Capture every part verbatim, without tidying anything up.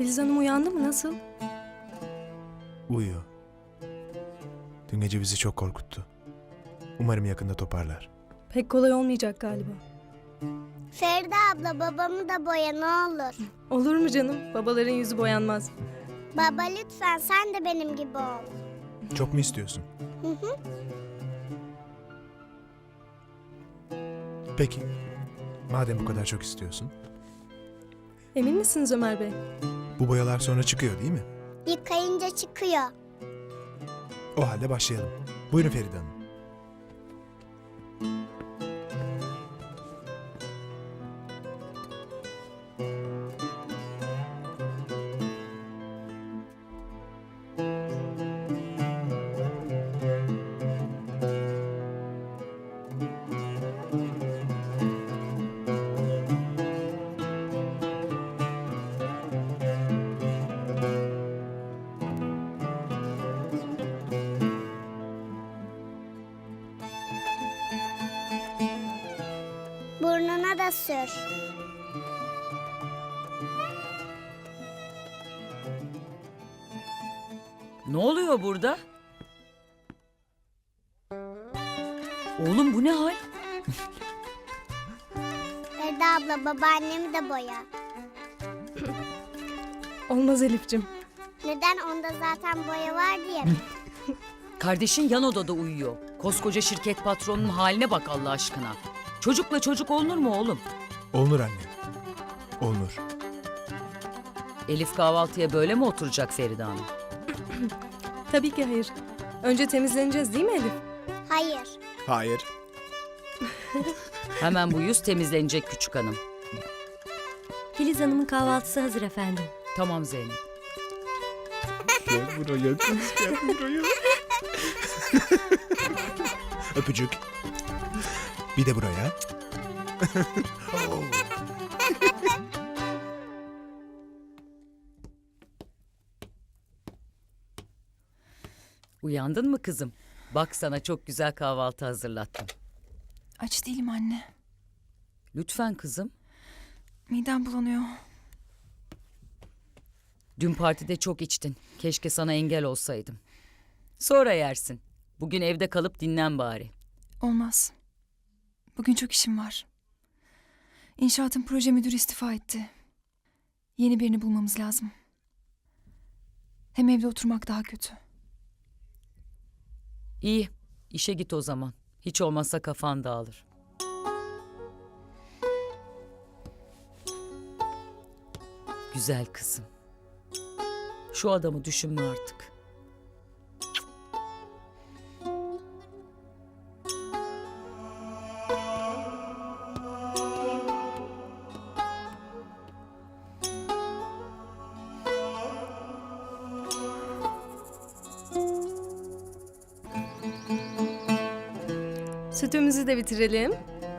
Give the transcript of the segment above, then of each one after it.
Filiz Hanım uyandı mı? Nasıl? Uyuyor. Dün gece bizi çok korkuttu. Umarım yakında toparlar. Pek kolay olmayacak galiba. Feride abla babamı da boya ne olur. Olur mu canım? Babaların yüzü boyanmaz. Baba lütfen sen de benim gibi ol. Çok mu istiyorsun? Hı hı. Peki. Madem bu kadar çok istiyorsun. Emin misiniz Ömer Bey? Bu boyalar sonra çıkıyor değil mi? Yıkayınca çıkıyor. O halde başlayalım. Buyurun Feride Hanım. Burnuna da sür. Ne oluyor burada? Oğlum bu ne hal? Feride abla babaannemi de boya. Olmaz Elif'cim. Neden onda zaten boya var diye mi? Kardeşin yan odada uyuyor. Koskoca şirket patronunun haline bak Allah aşkına. Çocukla çocuk olunur mu oğlum? Olunur anne. Olunur. Elif kahvaltıya böyle mi oturacak Feride Hanım? Tabii ki hayır. Önce temizleneceğiz değil mi Elif? Hayır. Hayır. Hemen bu yüz temizlenecek küçük hanım. Filiz Hanım'ın kahvaltısı hazır efendim. Tamam Zeynep. Gel buraya kız, gel buraya. Öpücük. Bir de buraya. Uyandın mı kızım? Bak sana çok güzel kahvaltı hazırlattım. Aç değilim anne. Lütfen kızım. Midem bulanıyor. Dün partide çok içtin. Keşke sana engel olsaydım. Sonra yersin. Bugün evde kalıp dinlen bari. Olmaz. Bugün çok işim var. İnşaatın proje müdürü istifa etti. Yeni birini bulmamız lazım. Hem evde oturmak daha kötü. İyi, işe git o zaman. Hiç olmazsa kafan dağılır. Güzel kızım. Şu adamı düşünme artık. Sütümüzü de bitirelim.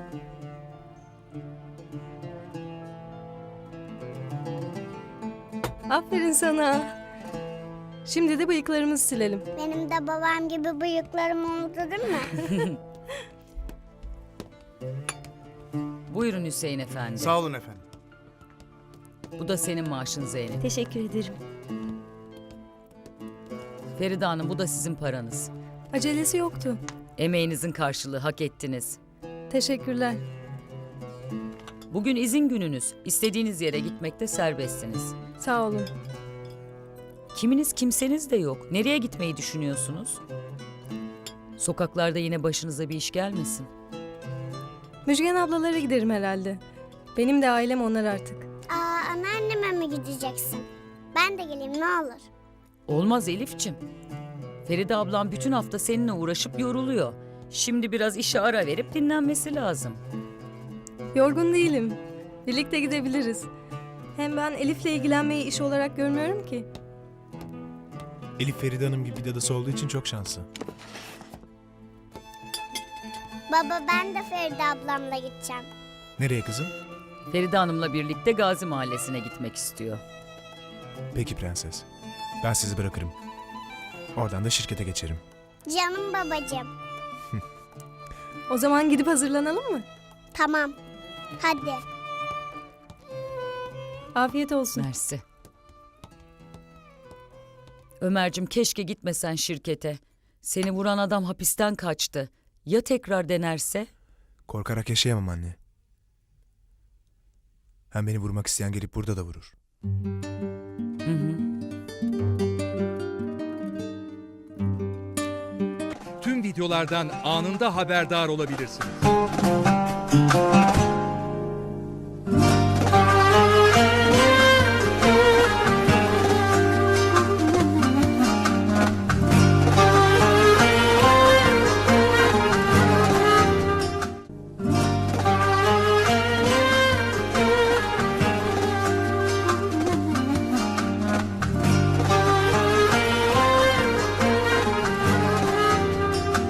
Aferin sana. Şimdi de bıyıklarımızı silelim. Benim de babam gibi bıyıklarım oldu değil mi? Buyurun Hüseyin Efendi. Sağ olun efendim. Bu da senin maaşın Zeynep. Teşekkür ederim. Feride Hanım bu da sizin paranız. Acelesi yoktu. Emeğinizin karşılığı, hak ettiniz. Teşekkürler. Bugün izin gününüz. İstediğiniz yere gitmekte serbestsiniz. Sağ olun. Kiminiz kimseniz de yok. Nereye gitmeyi düşünüyorsunuz? Sokaklarda yine başınıza bir iş gelmesin. Müjgan ablalara giderim herhalde. Benim de ailem onlar artık. Aa, anneanneme mi gideceksin? Ben de geleyim ne olur. Olmaz Elifçim. Feride ablam bütün hafta seninle uğraşıp yoruluyor. Şimdi biraz işe ara verip dinlenmesi lazım. Yorgun değilim. Birlikte gidebiliriz. Hem ben Elif'le ilgilenmeyi iş olarak görmüyorum ki. Elif Feride Hanım gibi bir dadısı olduğu için çok şanslı. Baba ben de Feride ablamla gideceğim. Nereye kızım? Feride Hanım'la birlikte Gazi Mahallesi'ne gitmek istiyor. Peki prenses. Ben sizi bırakırım. Oradan da şirkete geçerim. Canım babacığım. O zaman gidip hazırlanalım mı? Tamam. Hadi. Afiyet olsun. Mersi. Ömer'cim keşke gitmesen şirkete. Seni vuran adam hapisten kaçtı. Ya tekrar denerse? Korkarak yaşayamam anne. Hem beni vurmak isteyen gelip burada da vurur. Hı hı. Tüm videolardan anında haberdar olabilirsiniz.